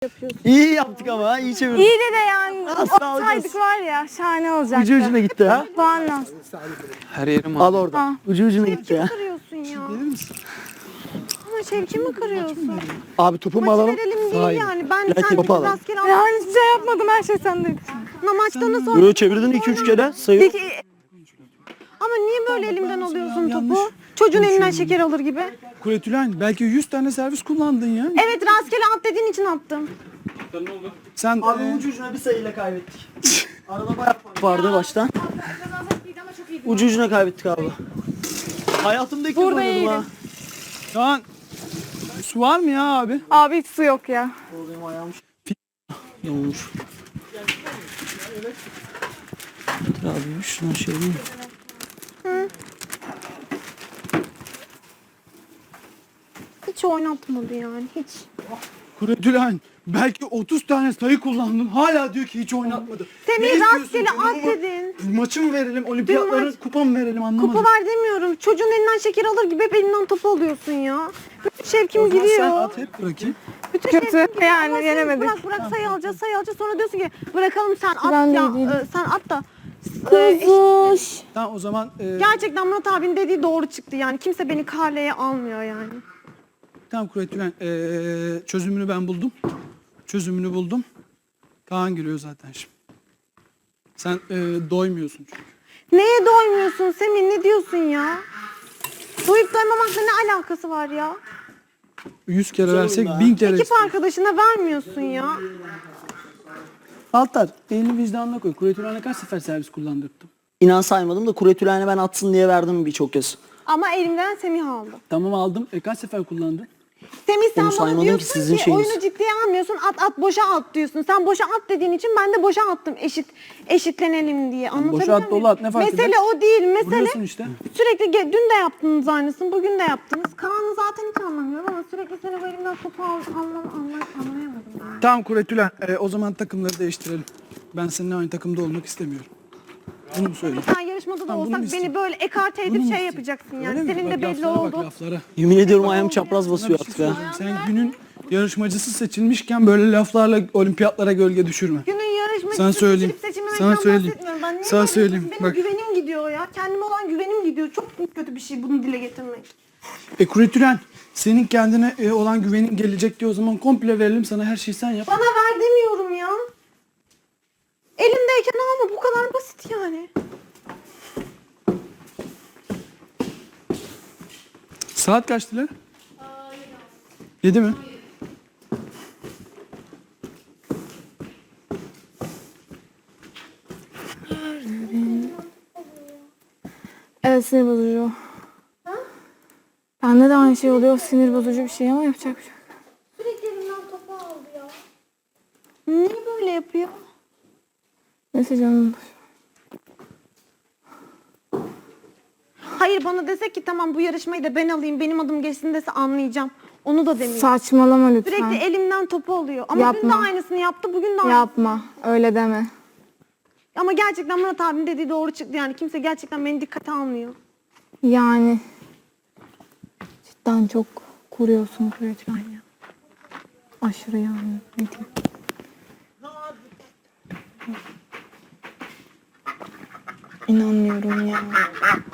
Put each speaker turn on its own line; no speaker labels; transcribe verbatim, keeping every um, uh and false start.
yapıyorsun.
İyi yaptık ama iyi çevirdik.
İyi de de yani
Asla
olsaydık var ya şahane olacaktı.
Ucu ucuna gitti ha.
Puan lazım.
Her yerim
Al
ağrıyor.
orada.
Ha.
Ucu ucuna gitti
Şevki mi
ya.
kırıyorsun ya? Ama Şevki mi kırıyorsun?
Abi topu mu
Maçı
alalım?
verelim değil
Hayır.
yani. Ben
Gel
sen
topu alalım.
rastgele al.
Ya hiçbir şey yapmadım, her şey sendeydi.
Na maçta nasıl
Yo çevirdin iki üç kere sayıyor.
Peki ama niye böyle elimden alıyorsun topu? Çocuğun elinden şeker alır gibi.
Kuretülen belki yüz tane servis kullandın ya.
Evet rastgele at dediğin için attım.
Sen
Abi
e,
ucu ucuna bir sayıyla kaybettik. Arada bayağı fark vardı baştan. Ucu ucuna kaybettik abi. Hayatımda ilk kez
Burada
oynadım ha.
Kaan, su var mı ya abi?
Abi hiç su yok ya.
O benim ayağım yamulmuş. Dur abi şuna şey mi?
Hiç oynatmadı yani hiç.
Kuretülen belki otuz tane sayı kullandın. Hala diyor ki hiç oynatmadı.
Semih
Ne istiyorsun?
rastgele
Durumu
at
mu-
dedin.
Maçı mı verelim? Olimpiyatların
maç-
kupa mı verelim anlamadım.
Kupa ver demiyorum. Çocuğun elinden şeker alır gibi hep elinden topu alıyorsun ya. Bütün şevkim
O zaman
gidiyor.
sen at hep bırakayım.
Bütün
Kötü,
şevkim gidiyor.
yani
Ama sen
yenemedik.
Bırak bırak sayı alacağız sayı alacağız. Sonra diyorsun ki bırakalım sen at
Ben de
ya.
iyi değilim.
e, sen at da. e,
Kuzuş.
Tamam o zaman e,
Gerçekten Murat abinin dediği doğru çıktı yani. Kimse beni karleye almıyor yani.
tamam Kuretülen e, çözümünü ben buldum. Çözümünü buldum. Kaan gülüyor zaten şimdi. Sen e, doymuyorsun çünkü.
Neye doymuyorsun Semih? Ne diyorsun ya? Doyup doymamakla ne alakası var ya?
Yüz kere versek
Sorun da.
bin kere
Ekip
istiyor.
arkadaşına vermiyorsun ya.
Altar elini vicdanına koy. Kuretülen'e kaç sefer servis kullandırdım?
İnan saymadım da Kuretülen'e ben atsın diye verdim birçok kez.
Ama elimden Semih aldı.
Tamam aldım. E kaç sefer kullandın?
Semih sen
Onu
bana
saymadım ki,
diyorsun ki,
sizin şeyiniz.
oyunu ciddiye almıyorsun, at at boşa at diyorsun. Sen boşa at dediğin için ben de boşa attım eşit eşitlenelim diye. Anlatabiliyor
boşa at,
muyum?
dolu at, ne fark
Mesele
eder?
o değil, mesele
Vuruyorsun işte.
sürekli ge- dün de yaptınız aynısını, bugün de yaptınız. Kaan'ı zaten hiç anlamıyorum ama sürekli seni bu elimden topu al, anlam, anlam, anlayamadım yani.
Tamam Kuretülen. E, o zaman takımları değiştirelim. Ben seninle aynı takımda olmak istemiyorum. Bunu mu söyleyeyim?
Sen yarışmada da
Tamam, bunu mu
olsak
isteyeyim?
beni böyle ekarte edip
Bunu mu
şey
isteyeyim?
yapacaksın
Öyle
yani.
mi?
Senin
Bak
de belli
laflara
oldu.
Bak, laflara.
Yemin ediyorum ayağım çapraz
Sana
basıyor
bir şey
artık ha.
söyleyeceğim. Sen günün yarışmacısı seçilmişken böyle laflarla olimpiyatlara gölge düşürme.
Günün yarışmacısı
Sana söyleyeyim.
seçilip seçilmemekten
Sana söyleyeyim.
bahsetmiyorum. Ben niye
Sana
bahsediyorum?
söyleyeyim.
Benim
Bak.
güvenim gidiyor ya. Kendime olan güvenim gidiyor. Çok kötü bir şey bunu dile getirmek.
E Kuretülen senin kendine e, olan güvenin gelecek diye o zaman komple verelim sana her şeyi sen yap.
Bana ver demiyorum ya. Elimdeyken alma bu kadar basit yani.
Saat kaçtı lan? Yedi mi?
Evet, sinir bozucu. Bende de aynı şey oluyor, sinir bozucu bir şey ama yapacak bir şey yok.
Sürekli elimden topu aldı ya. Niye böyle yapıyor?
Neyse canım.
Hayır bana desek ki tamam bu yarışmayı da ben alayım benim adım geçsin dese anlayacağım. Onu da demiyor.
Saçmalama lütfen.
Sürekli elimden topu alıyor. Ama dün de
Yapma.
aynısını yaptı bugün de aynısını.
Yapma, öyle deme.
Ama gerçekten Murat abinin dediği doğru çıktı yani. Kimse gerçekten beni dikkate almıyor.
Yani cidden çok kuruyorsun Kuretülen ya. Aşırı yani. Ne diyeyim? İnanmıyorum ya.